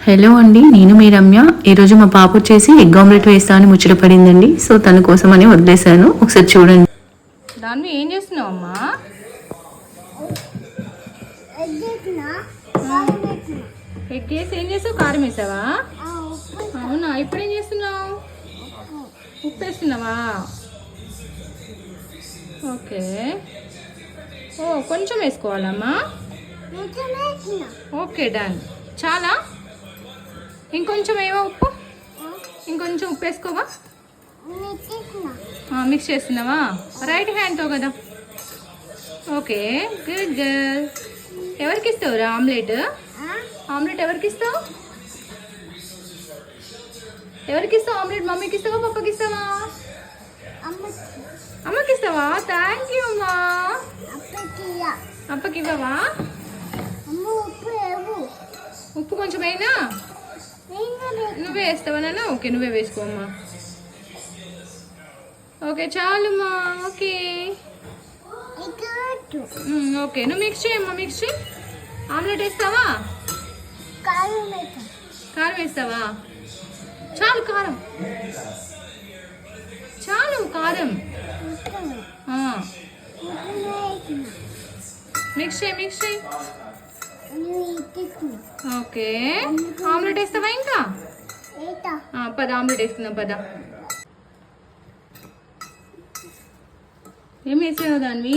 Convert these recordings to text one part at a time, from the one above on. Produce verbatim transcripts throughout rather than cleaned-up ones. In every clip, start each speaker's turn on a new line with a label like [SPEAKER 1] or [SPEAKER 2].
[SPEAKER 1] Hello అండి, నేను మీ రమ్య. ఈరోజు మా పాప వచ్చేసి ఎగ్ ఆమ్లెట్ వేస్తా అని ముచ్చట పడిందండి. సో తన కోసం అని వదిలేశాను, ఒకసారి చూడండి.
[SPEAKER 2] దాన్ని ఏం చేస్తున్నావు అమ్మా? ఎగ్ వేసి ఏం చేసావు? కారం వేసావా? అవునా, ఇప్పుడు ఏం చేస్తున్నావు? ఉప్పు వేస్తున్నావా? ఓకే. ఓ కొంచెం వేసుకోవాలమ్మా. Okay done. చాలా? ఇంకొంచెం ఏవో ఉప్పు, ఇంకొంచెం ఉప్పు వేసుకోవా? మిక్స్ చేస్తున్నావా? రైట్ హ్యాండ్తో కదా. Okay good girl. ఎవరికి ఇస్తావురా ఆమ్లెట్? ఆమ్లెట్ ఎవరికి ఇస్తావు? ఎవరికి ఇస్తావు ఆమ్లెట్? మమ్మీకి ఇస్తావా, పప్పకి ఇస్తావా? అమ్మకి ఇస్తావా? థ్యాంక్ యూ అమ్మా. అప్పకి ఇవ్వవా? ఉప్పు కొంచెం అయినా నువ్వే వేస్తావా నాన్న? ఓకే నువ్వే వేసుకో అమ్మా. ఓకే చాలమ్మా. ఓకే ఓకే నువ్వు మిక్స్ చేయమ్మా. మిక్స్ చేయి. ఆమ్లెట్ వేస్తావా? కారం వేస్తావా? చాలు కారం, చాలు కారం. మిక్స్ చేయి, మిక్స్ చేయి. ఓకే ఆమ్లెట్ వేస్తావా? ఇంకా పద ఆమ్లెట్ వేస్తున్నాం పద. ఏం వేసావు దాన్ని?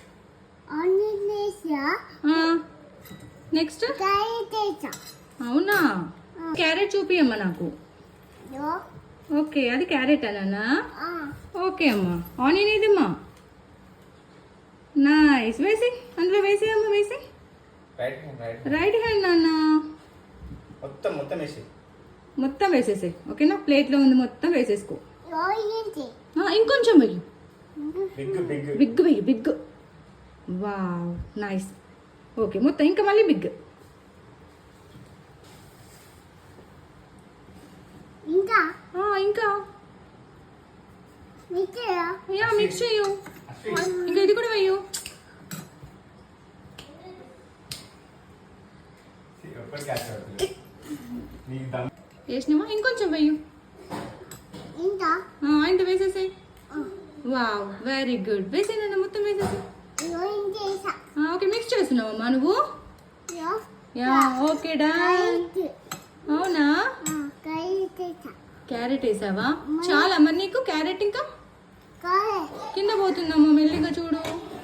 [SPEAKER 2] నెక్స్ట్ అవునా? క్యారెట్ చూపియమ్మా నాకు. ఓకే అది క్యారెట్ అలానా? ఓకే అమ్మా. ఆనియన్ ఏదమ్మా? నైస్. వేసి అందులో వేసి అమ్మా, వేసి. రైట్ హ్యాండ్ నాన్న.
[SPEAKER 3] మొత్తం మొత్తం వేసి
[SPEAKER 2] మొత్తం వేసేసాయి. ఓకేనా? ప్లేట్లో ఉంది మొత్తం వేసేసుకో. ఇంకొంచెం వెయ్యి. బిగ్ వెయ్యి, బిగ్. Wow nice. ఓకే మొత్తం ఇంకా మళ్ళీ బిగ్. ఇంకా ఇంకా యా మిక్స్ చేయు. ఇంకా ఇది కూడా వెయ్యు. వేసినావా? ఇంకొంచెం వెయ్యు. ఇంత వేసేసాయి. Wow very good. వేసేనా? మొత్తం వేసేసి. ఓకే మిక్స్ చేస్తున్నావమ్మా నువ్వు? Yeah okay done. అవునా? క్యారెట్ వేసావా? చాలా మరి నీకు క్యారెట్ ఇంకా కింద పోతుందమ్మా, మెల్లిగా చూడు.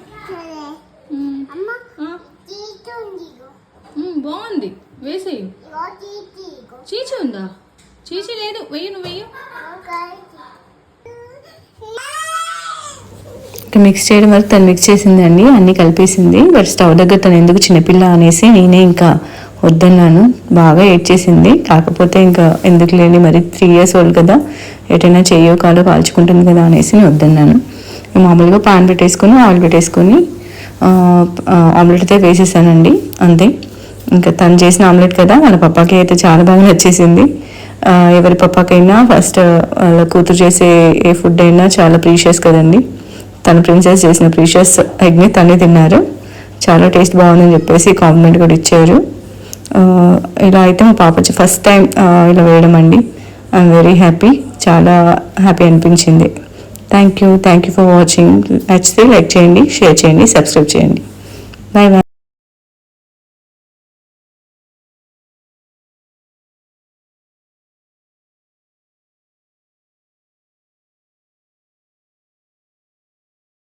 [SPEAKER 2] బాగుంది, వేసేయి. చీచి ఉందా? చీచి లేదు, వెయ్యి. నువ్వు వెయ్యి.
[SPEAKER 1] మిక్స్ చేయడం వరకు తను మిక్స్ చేసిందండి, అన్నీ కలిపేసింది. బట్ స్టవ్ దగ్గర తను ఎందుకు చిన్నపిల్ల అనేసి నేనే ఇంకా వద్దన్నాను. బాగా ఏడ్చేసింది. కాకపోతే ఇంకా ఎందుకు లేని, మరి త్రీ ఇయర్స్ ఓల్డ్ కదా, ఎటైనా చెయ్యో కాలో కాల్చుకుంటుంది కదా అనేసి నేను వద్దన్నాను. మామూలుగా పాన్ పెట్టేసుకొని ఆయిల్ పెట్టేసుకొని ఆమ్లెట్ అయితే వేసేసానండి, అంతే. ఇంకా తను చేసిన ఆమ్లెట్ కదా, వాళ్ళ పప్పాకి అయితే చాలా బాగా నచ్చేసింది. ఎవరి పప్పాకైనా ఫస్ట్ వాళ్ళ కూతురు చేసే ఏ ఫుడ్ అయినా చాలా ప్రీషియస్ కదండి. తన ప్రిన్సెస్ చేసిన ప్రీషియస్ ఎగ్ని తనే తిన్నారు. చాలా టేస్ట్ బాగుందని చెప్పేసి కాంప్లిమెంట్ కూడా ఇచ్చారు. ఇలా అయితే మా పాప వచ్చి ఫస్ట్ టైం ఇలా వేయడం అండి. ఐఎమ్ వెరీ హ్యాపీ, చాలా హ్యాపీ అనిపించింది. Thank you thank you for watching. నచ్చితే లైక్ చేయండి, షేర్ చేయండి, సబ్స్క్రైబ్ చేయండి. Bye bye.